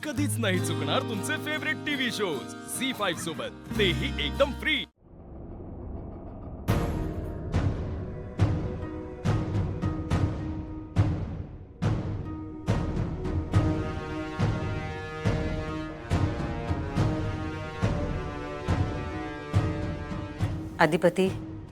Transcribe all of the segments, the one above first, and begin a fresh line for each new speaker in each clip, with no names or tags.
कधीच नाही चुकणार तुमचे फेवरेट टीव्ही शोज झी5 सोबत, तेही एकदम फ्री।
अधिपती,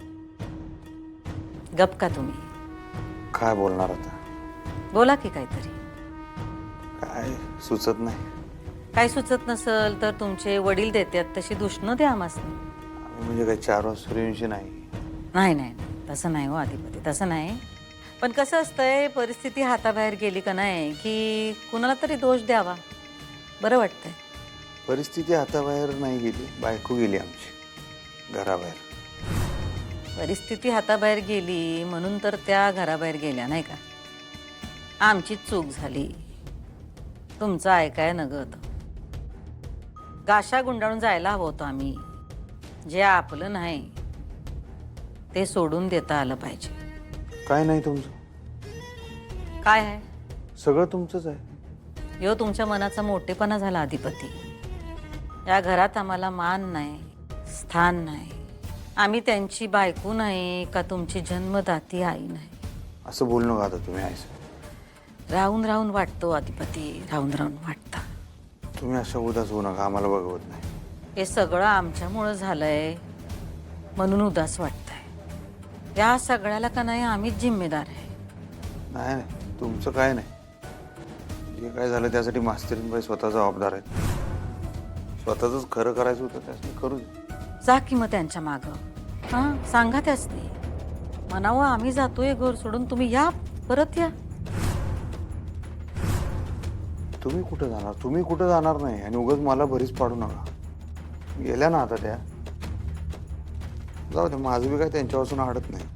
गप का तुम्ही?
काय बोलणार आता?
बोला की काहीतरी।
काय सुचत नाही।
काय सुचत नसल तर तुमचे वडील देतात तशी दुष्ण द्या आम्हाला।
आम्ही म्हणजे काय 4 वाजता सूर्यवंशी नाही।
नाही नाही तसं नाही हो अधिपती, तसं नाही। पण कसं असतंय, परिस्थिती हाताबाहेर गेली का नाही की कुणाला तरी दोष द्यावा, बरं वाटतंय।
परिस्थिती हाताबाहेर नाही गेली, बायको गेली आमची घराबाहेर।
परिस्थिती हाताबाहेर गेली म्हणून तर त्या घराबाहेर गेल्या नाही का? आमचीच चूक झाली, तुमचं ऐकाय नगत। गाशा गुंडाळून जायला हवं होतं आम्ही। जे आपलं नाही ते सोडून देता आलं पाहिजे।
काय नाही तुमचं?
काय आहे?
सगळं तुमचंच आहे।
यो तुमच्या मनाचा मोठेपणा झाला अधिपती। या घरात आम्हाला मान नाही, स्थान नाही। आम्ही त्यांची बायको नाही का तुमची जन्मदाती आई नाही।
असं बोलणं का आता तुम्ही आईस?
राहून राहून वाटतो अधिपती, राहून राहून वाटतं।
तुम्ही असं उदास होऊ नका, आम्हाला बघवत नाही।
हे सगळं आमच्यामुळं झालंय म्हणून उदास वाटतंय। या सगळ्याला का नाही आम्हीच जिम्मेदार आहे।
नाही नाही तुमचं काय नाही। जे काय झालं त्यासाठी मास्तरीनबाई स्वतः जबाबदार आहेत। स्वतःच खरं करायचं होतं त्यासाठी करू दे।
जा की मग त्यांच्या मागं, हां सांगा त्यासनी म्हणावं आम्ही जातोय घर सोडून, तुम्ही या, परत या।
तुम्ही कुठं जाणार? तुम्ही कुठं जाणार नाही आणि उगाच मला भरीच पाडू नका। गेल्या ना आता त्या, जाऊ दे, माझं बी काय त्यांच्यापासून अडत नाही।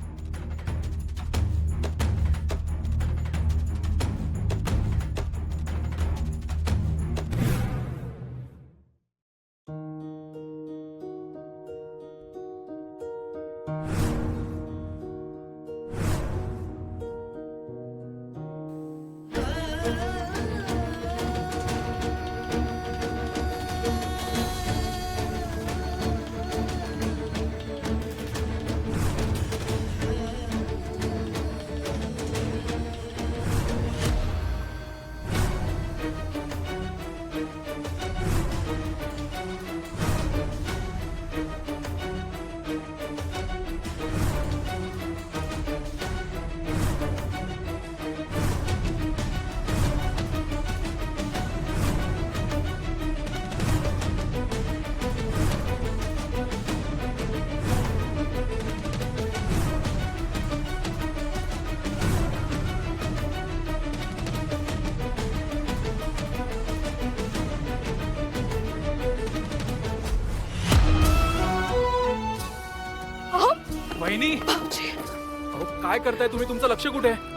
वहिनी, अहो काय करताय तुम्ही? तुमचं लक्ष कुठे आहे?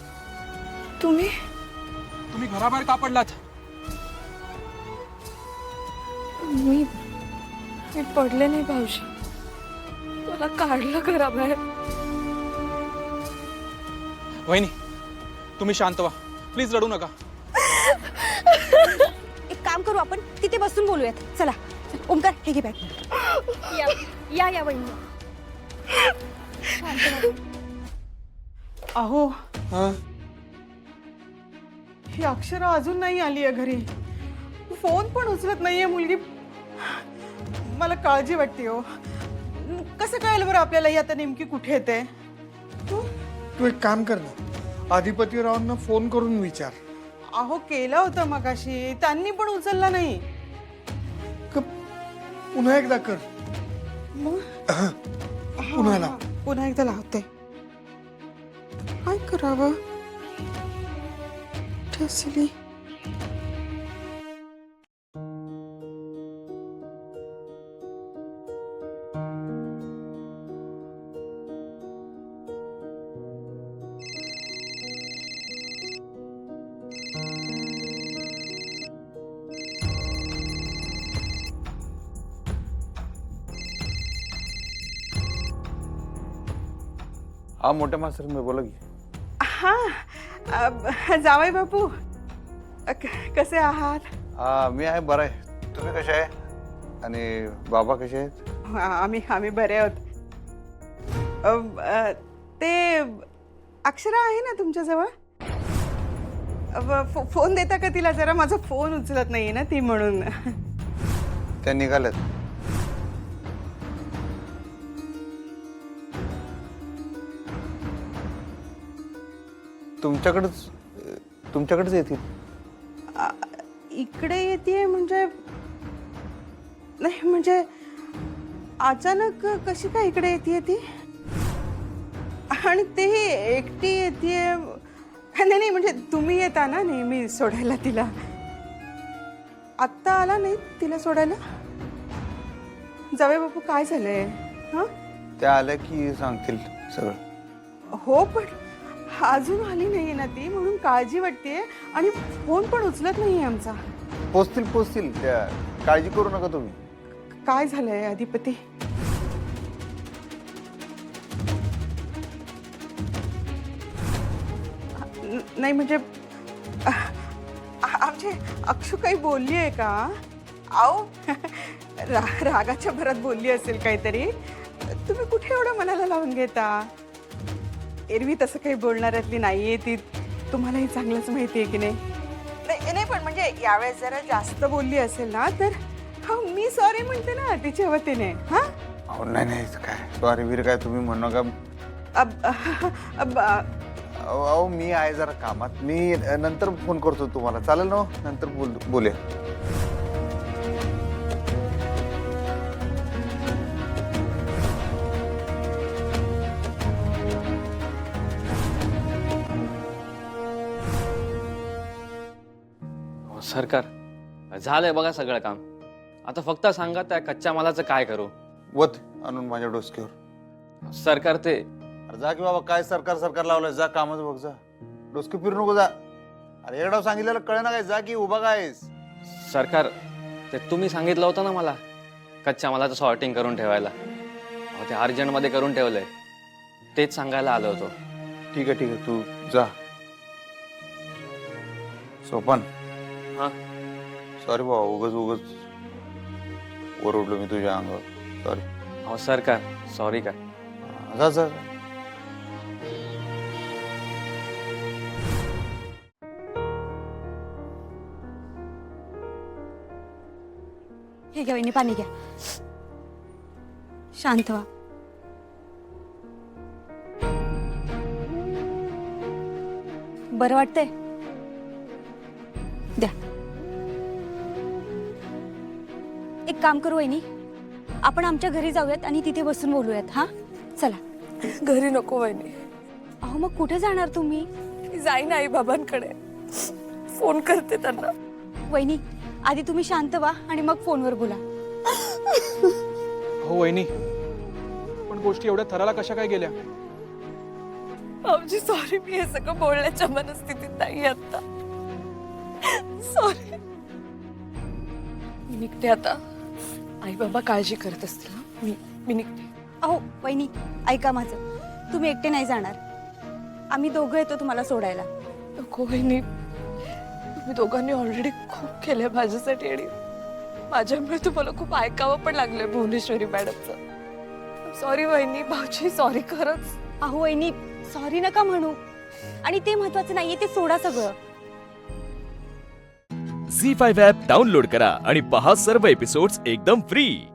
तुम्ही घराबाहेर का पडलात?
मी पडले नाही भाऊजी, मला काढलं घराबाहेर।
वहिनी तुम्ही शांत व्हा, प्लीज रडू नका।
एक काम करू, आपण तिथे बसून बोलूयात। चला ओमकार, हे घे बॅग। या वहिनी।
अहो ही अक्षरा अजून नाही आली आहे घरी, फोन पण उचलत नाहीये मुलगी। मला काळजी वाटते हो। कसं कळेल बरं आपल्याला ही आता नेमकी कुठे येते?
तू एक काम कर ना, अधिपतीरावांना फोन करून विचार।
अहो केला होता मगाशी, त्यांनी पण उचलला नाही।
पुन्हा एकदा कर। पुन्हा लाव।
पुन्हा एकदा लावते। काय करावं? ठसली।
हा मोठ्या मास्तर मी बोला की।
हाँ जावई बापू, कसे आहात?
मी आहे बरं आहे. तुम्ही कसे आहे आणि बाबा कसे आहेत?
आम्ही बरे आहोत. ते अक्षरा आहे ना तुमच्याजवळ? फोन देता का तिला जरा? माझा फोन उचलत नाहीये ना ती, म्हणून.
त्या निघाल्यात. तुमच्याकडेच येतील.
इकडे येते म्हणजे? नाही म्हणजे अचानक कशी काय इकडे येते ती? आणि तेही एकटी येते? नाही म्हणजे तुम्ही येता ना नेहमी सोडायला तिला. आत्ता आला नाही तिला सोडायला? जावे बापू काय झालंय? हा,
त्या आल्या की सांगतील सगळं.
हो पण अजून आली नाहीये ना ती, म्हणून काळजी वाटते. आणि फोन पण उचलत नाहीये आमचा.
पोचतील त्या, काळजी करू नका तुम्ही.
काय झालंय अधिपती? नाही म्हणजे आमची अक्षू काही बोलली आहे का? आओ रागाच्या भरात बोलली असेल काहीतरी. तुम्ही कुठे एवढं मनाला लावून घेता? एरवी तसं काही बोलणाऱ्यातली नाहीये ती, तुम्हालाही चांगलंच माहिती आहे की नाही? नाही पण म्हणजे यावेळेस जरा जास्त बोलली असेल ना तर मी सॉरी म्हणते ना तिच्या वतीने. हा,
नाही काय सॉरी वीर काय तुम्ही म्हणू नका. अहो मी आहे जरा कामात. मी नंतर फोन करतो तुम्हाला, चालेल ना? नंतर बोलूया.
सरकार झालंय बघा सगळं काम. आता फक्त सांगा त्या कच्च्या मालाचं काय करू?
वत आणून माझ्या डोसक्यावर.
सरकार ते
अरे जा की बाबा, काय सरकार लावलंय? जा कामाचं बघ, जा. डोसके फिरू नको, जा. अरे एकदा सांगितलेलं कळे ना काय? जा की उभा कायस?
सरकार ते तुम्ही सांगितलं होतं ना मला कच्च्या मालाचं सॉर्टिंग करून ठेवायला. अहो ते अर्जंटमध्ये करून ठेवलंय, तेच सांगायला आलो होतो.
ठीक आहे तू जा. सोपान.
हा
सॉरी बाबा, उगच ओरडलो मी तुझ्या अंगावर. सॉरी.
अहो सरकार सॉरी काय?
जा.
हे घ्या वहिनी, पाणी घ्या. शांत व्हा. बरं वाटतंय? द्या. एक काम करू वहिनी, आपण आमच्या घरी जाऊयात आणि तिथे बसून बोलूयात. हा चला.
घरी नको वहिनी.
अहो मग कुठे जाणार तुम्ही?
मी जाईन आई बाबांकडे, फोन करते त्यांना.
वहिनी आधी तुम्ही शांत व्हा आणि मग फोनवर बोला.
हो वहिनी, पण गोष्टी एवढ्या थराला कशा काय गेल्या?
भाऊजी सॉरी, मी हे सगळं बोलण्याच्या मनस्थितीत नाही आता. सॉरी. मी निघते आता. आई बाबा काळजी करत असतील ना. मी निघते.
अहो वहिनी ऐका माझं, तुम्ही एकटे नाही जाणार. आम्ही दोघं येतो तुम्हाला सोडायला.
नको वहिनी, तुम्ही दोघांनी ऑलरेडी खूप केलंय माझ्यासाठी आणि माझ्यामुळे तुम्हाला खूप ऐकावं पण लागलंय भुवनेश्वरी मॅडमचं. सॉरी वहिनी. भाऊजी सॉरी खरंच.
अहो वहिनी सॉरी नका म्हणू, आणि ते महत्वाचं नाहीये, ते सोडा सगळं.
झी5 ॲप डाउनलोड करा आणि पहा सर्व एपिसोड्स एकदम फ्री.